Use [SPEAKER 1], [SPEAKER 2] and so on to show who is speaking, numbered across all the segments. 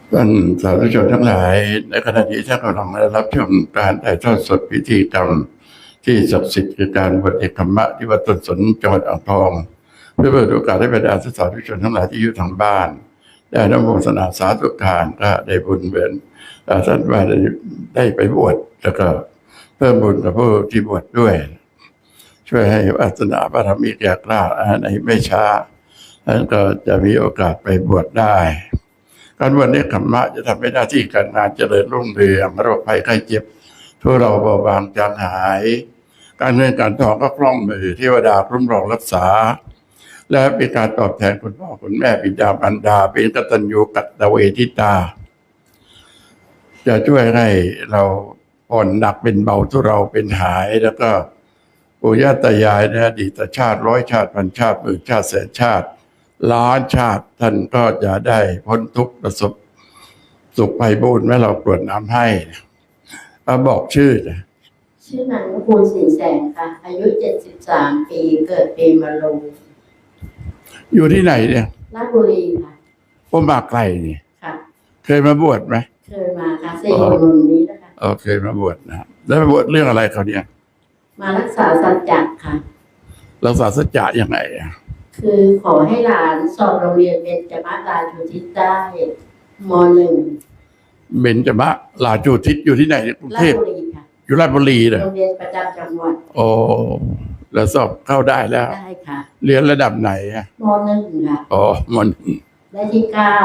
[SPEAKER 1] ท่านสาธุชนทั้งหลายในขณะที่ท่านกำลังรับชมการถ่ายทอดสดพิธีกรรมที่ศักดิ์สิทธิ์คือการบวชเอกธรรมะที่วัดต้นสนจังหวัดอ่างทองเพื่อเปิดโอกาสให้บรรดาสาธุชนทั้งหลายที่อยู่ทางบ้านได้นโมทนาสาธุการก็ได้บุญเหมือนท่านว่าได้ไปบวชแล้วก็เพิ่มบุญกับผู้ที่บวชด้วยช่วยให้วาสนาบารมีแก่กล้าในไม่ช้าท่านก็จะมีโอกาสไปบวชได้การบวชเนกขัมมะจะทำให้หน้าที่การงานเจริญรุ่งเรืองโรคภัยไข้เจ็บทุเราเบาบางจางหายการเงินการทองก็คล่องมือเทวดาคุ้มครองรักษาและเป็นการตอบแทนคุณพ่อคุณแม่บิดามารดาเป็นกตัญญูกตเวทิตาจะช่วยให้เราผ่อนหนักเป็นเบาทุเราเป็นหายแล้วก็ปู่ย่าตายายในอดีตชาติ100 ชาติพันชาติหมื่นชาติแสนชาติล้านชาติท่านก็จะได้พ้นทุกข์ประสบสุขไพบูลย์แม้เรากรวดน้ำให้บอกชื่
[SPEAKER 2] อนางนุกูลศรีแสงค่ะอายุ73 ปีเกิดปีมะโรง
[SPEAKER 1] อยู่ที่ไหนเนี่ย
[SPEAKER 2] ราชบุรีค่ะ
[SPEAKER 1] ผมมาไกลนี่
[SPEAKER 2] ค่ะ
[SPEAKER 1] เคยมาบวชไหม
[SPEAKER 2] เคยมาค่ะ4 คนนี้นะคะ
[SPEAKER 1] เคยมาบวชนะแล้วมาบวชเรื่องอะไรเขาเนี่ย
[SPEAKER 2] มารักษาสัจจะค่ะ
[SPEAKER 1] รักษาสัจจะยังไง
[SPEAKER 2] คือขอให้หลานสอบโรงเรียนเบญจมาศราชูทิศได้ม.1
[SPEAKER 1] เบญจมาศราชูทิศอยู่ที่ไหนกรุงเทพอยู่ราชบุรีเลย
[SPEAKER 2] โรงเรียนประจำจังหวัด
[SPEAKER 1] แล้วสอบเข้าได้แล้ว
[SPEAKER 2] ได้ค่ะ
[SPEAKER 1] เรียนระดับไหน
[SPEAKER 2] ม.1 ค่ะ
[SPEAKER 1] ม.1
[SPEAKER 2] ได้ที่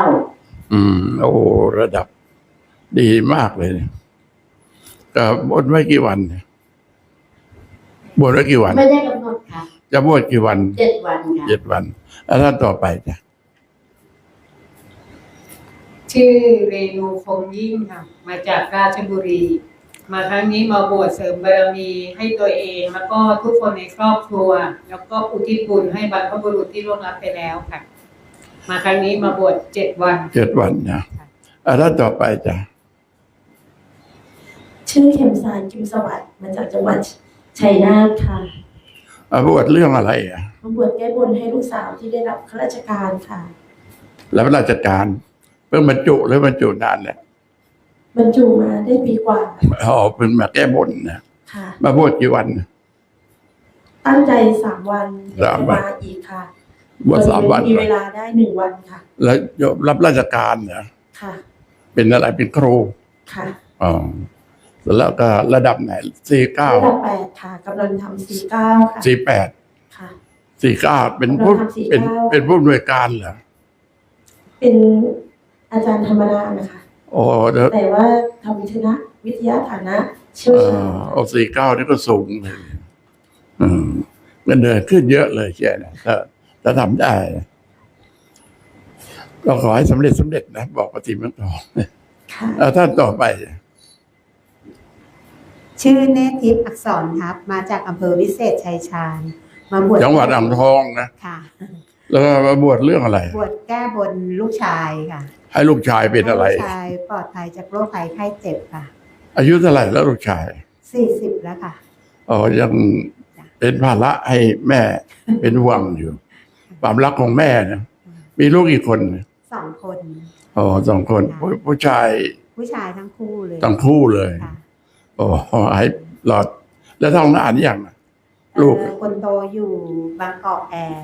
[SPEAKER 1] 9ระดับดีมากเลยก็บวชไว้กี่วันบวชไว้กี่วัน
[SPEAKER 2] ไม่ได้กำหนดค่ะ
[SPEAKER 1] จะบวชกี่วัน
[SPEAKER 2] 7 วันค่ะ
[SPEAKER 1] 7 วันแล้วท่านต่อไปจ้ะ
[SPEAKER 3] ชื่อเรนูคงยิ่งค่ะมาจากราชบุรีมาครั้งนี้มาบวชเสริมบารมีให้ตัวเองแล้วก็ทุกคนในครอบครัวแล้วก็อุทิศบุญให้บรรพบุรุษที่ล่วงลับไปแล้วค่ะมาครั้งนี้มาบวช7 วัน
[SPEAKER 1] 7 วันนะท่านต่อไปจ้ะ
[SPEAKER 4] ชื่อเข็มสารกิมสวัสดิ์มาจากจังหวัดชัยนาทค่ะ
[SPEAKER 1] บวชเรื่องอะไร
[SPEAKER 4] มาบวชแก้บนให้ลูกสาวที่ได้รับข้าราชการค่ะ
[SPEAKER 1] แล้วราชการเพิ่งบรรจุหรือบรรจุนานแล้ว
[SPEAKER 4] บรรจุมาได้ปีกว่า
[SPEAKER 1] เพิ่งมาแก้บนนะ
[SPEAKER 4] ค่ะ
[SPEAKER 1] มาบวชกี่วัน
[SPEAKER 4] ตั้งใจ3 วันมาอีกค่ะ
[SPEAKER 1] บวช3 วัน
[SPEAKER 4] มีเวลาได้1 วันค่ะ
[SPEAKER 1] แล้วรับราชการเหรอ
[SPEAKER 4] ค่ะ
[SPEAKER 1] เป็นอะไรเป็นครู
[SPEAKER 4] ค่ะ
[SPEAKER 1] แล้วก็ระดับไหน49
[SPEAKER 4] ระดับ8ค่ะกำลังทำ49ค่ะ
[SPEAKER 1] 48ค่ะ49เป็นผู้เป็นผู้อำนวยการเหรอ
[SPEAKER 4] เป็นอาจารย์ธรรมดานะคะแต่ว่าทำวิทยาฐานะเชี่ยวชาญ
[SPEAKER 1] 49นี่ก็สูงเลยเงินเดือนขึ้นเยอะเลยใช่ไหมถ้าทำได้ก็ขอให้สำเร็จนะบอกปฏิมาต่อท่านต่อไป
[SPEAKER 5] ชื่อเนธทิพย์อักษรทัพมาจากอำเภอวิเศษชัยชาญมาบวช
[SPEAKER 1] จังหวัดอ่างทองนะ
[SPEAKER 5] ค่ะ
[SPEAKER 1] แล้วมาบวชเรื่องอะไร
[SPEAKER 5] บวชแก้บนลูกชายค่ะ
[SPEAKER 1] ให้ลูกชายเป็นอะไร
[SPEAKER 5] ลูกชายปลอดภัยจากโรคภัยไข้เจ็บค่ะ
[SPEAKER 1] อายุเท่าไหร่แล้วลูกชาย
[SPEAKER 5] 40แล้วค่ะ
[SPEAKER 1] ยังเป็นภาระให้แม่เป็นห่วงอยู่ความรักของแม่นะมีลูกกี่คน
[SPEAKER 5] 2 คน
[SPEAKER 1] 2 คนผู้ชาย
[SPEAKER 5] ทั้งคู่
[SPEAKER 1] เลยให้หลอดแล้วท้องนานยังลูก
[SPEAKER 5] คนโตอยู่บางกอกแอร์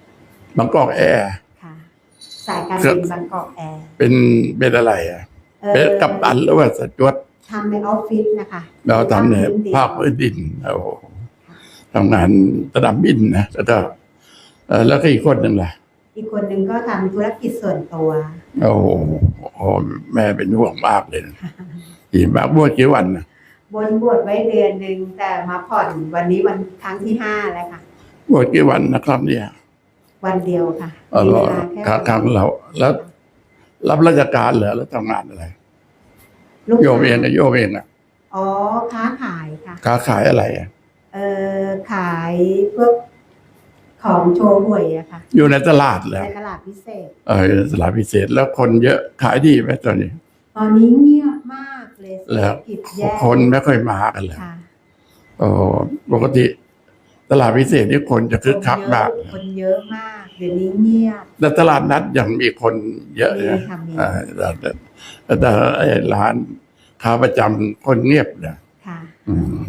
[SPEAKER 5] ค่ะสายการบินบางกอกแอร์
[SPEAKER 1] เป็นอะไรเป็นกัปตันหรือว่าสจวต
[SPEAKER 5] ทำในออฟฟิศนะคะ
[SPEAKER 1] เราทำในภาคพื้นดินทำงานระดับบินนะแล้วก็อีกคนหนึ่งล่ะ
[SPEAKER 5] อีกคนหนึ่งก็ทำธุรกิจส่วนตัว
[SPEAKER 1] แม่เป็นห่วงมากเลยกี่มากบวชกี่วันนะ
[SPEAKER 5] บวชไว้เดือนหนึ่งแต่มาผ่อนวันนี้วันครั้งที่5แล้วค่ะ
[SPEAKER 1] บวชกี่วันนะครับเนี่ย
[SPEAKER 5] วันเดียวค่ะ
[SPEAKER 1] มีเวลาแค่ครั้งเราแล้วรับราชการเหรอแล้วทำงานอะไรโยมเอง
[SPEAKER 5] ค้าขายค่ะ
[SPEAKER 1] ค้าขายอะไร
[SPEAKER 5] ขายพวกของโชว์หวยอะค่ะ
[SPEAKER 1] อยู่ในตลาดแล้ว
[SPEAKER 5] ในตลาดพิเศษ
[SPEAKER 1] ตลาดพิเศษแล้วคนเยอะขายดีไหมตอนนี้
[SPEAKER 5] เงียบมากเลย
[SPEAKER 1] แล้วคนไม่ค่อยมากันเลยปกติตลาดพิเศษนี่คนจะคึกคักมาก
[SPEAKER 5] คนเยอะมาก เดี๋ยวนี้เงียบ
[SPEAKER 1] แต่ตลาดนัดยังมีคนเยอะ
[SPEAKER 5] มี
[SPEAKER 1] นะ
[SPEAKER 5] ค่ะมี
[SPEAKER 1] แต่ไอ้ร้านค้าประจำคนเงียบนะ
[SPEAKER 5] ค่ะ
[SPEAKER 1] อืม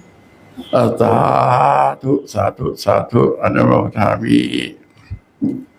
[SPEAKER 1] สาธุสาธุสาธุอนุโมทามิ